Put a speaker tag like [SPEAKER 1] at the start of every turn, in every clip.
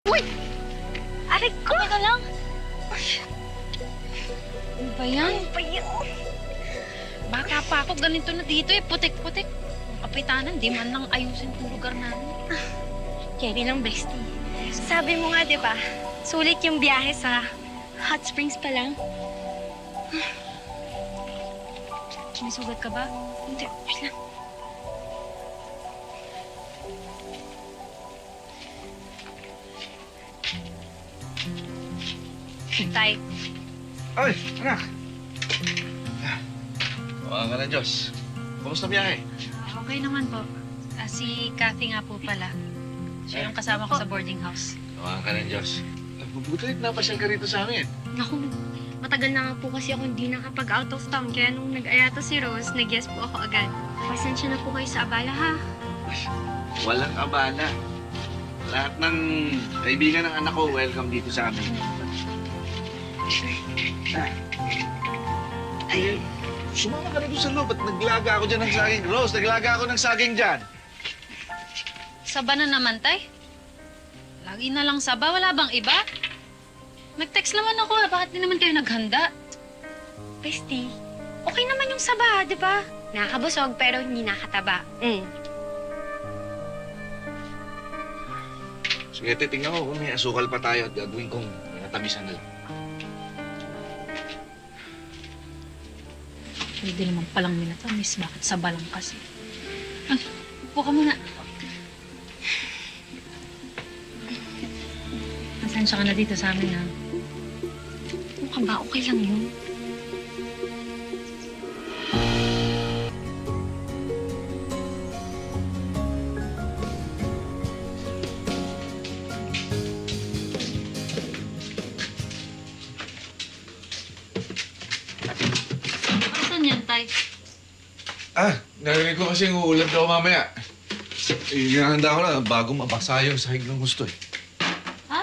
[SPEAKER 1] Uy! Aray ko!
[SPEAKER 2] Ano ka lang? Ano ba yan?
[SPEAKER 1] Ano ba yan?
[SPEAKER 2] Baka pa ako, ganito na dito eh. Putik-putik. Ang kapitanan, di man lang ayusin itong lugar namin.
[SPEAKER 1] Carry lang, bestie. Sabi mo nga, di ba? Sulit yung biyahe sa hot springs pa lang.
[SPEAKER 2] Sumisugat ka ba?
[SPEAKER 1] Hindi, wait lang. Tay,
[SPEAKER 3] Ay, anak! Tawagan ka ng Diyos. Kumusta biyahe?
[SPEAKER 2] Okay naman po. Si Kathy nga po pala. Siya yung kasama ko sa boarding house.
[SPEAKER 3] Tawagan ka ng Diyos. Mabuti napasyal ka rito sa amin.
[SPEAKER 1] naku, matagal na nga po kasi ako hindi nakapag-out of town. Kaya nung nag-ayata si Rose, nag-yes po ako agad. Pasensya na po kayo sa abala, ha?
[SPEAKER 3] Walang abala. Lahat ng kaibigan ng anak ko, welcome dito sa amin. Ay, sumama ka na doon sa loob at naglaga ako dyan ng saging. Rose, naglaga ako ng saging dyan.
[SPEAKER 2] Saba na naman, tay. Lagi na lang saba. Wala bang iba? Nag-text naman ako Bakit di naman kayo naghanda?
[SPEAKER 1] Bestie, okay naman yung saba, di ba? Nakakabusog pero hindi nakataba.
[SPEAKER 3] Sige, titingnan ko kung may asukal pa tayo at gagawin kong natamisan na lang.
[SPEAKER 2] Pwede naman palang minatamis. Bakit saba lang kasi? Ah, upo ka muna. Pasensya ka na dito sa amin, ha?
[SPEAKER 1] Ano ka ba? Okay lang yun.
[SPEAKER 2] Asan yan, tay?
[SPEAKER 3] Narinig ko kasi yung uulan daw mamaya. Inahanda ko na bago mabasa yung sahig ng gusto eh.
[SPEAKER 2] Ha?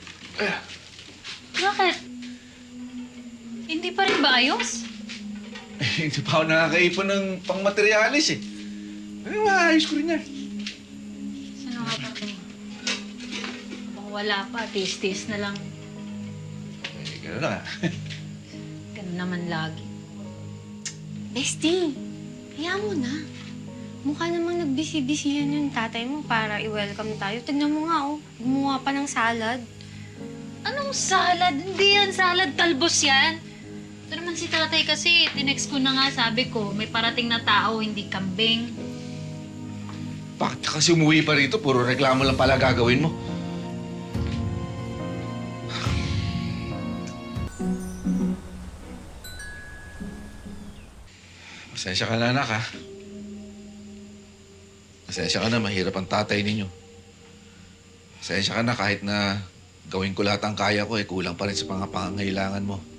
[SPEAKER 2] Bakit? Hindi pa rin ba ayos?
[SPEAKER 3] Hindi pa ako nakakaipon ng pangmaterialis eh. Ay, maayos ko rin yan.
[SPEAKER 2] Saan nga ba ito? Bang wala pa, tis-tis na lang.
[SPEAKER 3] Eh, gano'n na nga.
[SPEAKER 2] Ganun naman lagi.
[SPEAKER 1] Bestie, hayaan mo na. Mukha namang nagbisi-bisihan yung tatay mo para i-welcome tayo. Tignan mo nga, oh. Gumawa pa ng salad.
[SPEAKER 2] Anong salad? Hindi yan salad, talbos yan. Ito naman si tatay kasi, tinext ko na nga, sabi ko, may parating na tao, hindi kambing.
[SPEAKER 3] Bakit ka kasi umuwi pa rito? Puro reklamo lang pala gagawin mo. Pasensya ka na, anak, ha? Pasensya ka na, mahirap ang tatay ninyo. Pasensya ka na kahit na gawin ko lahat ang kaya ko, kulang pa rin sa mga pangangailangan mo.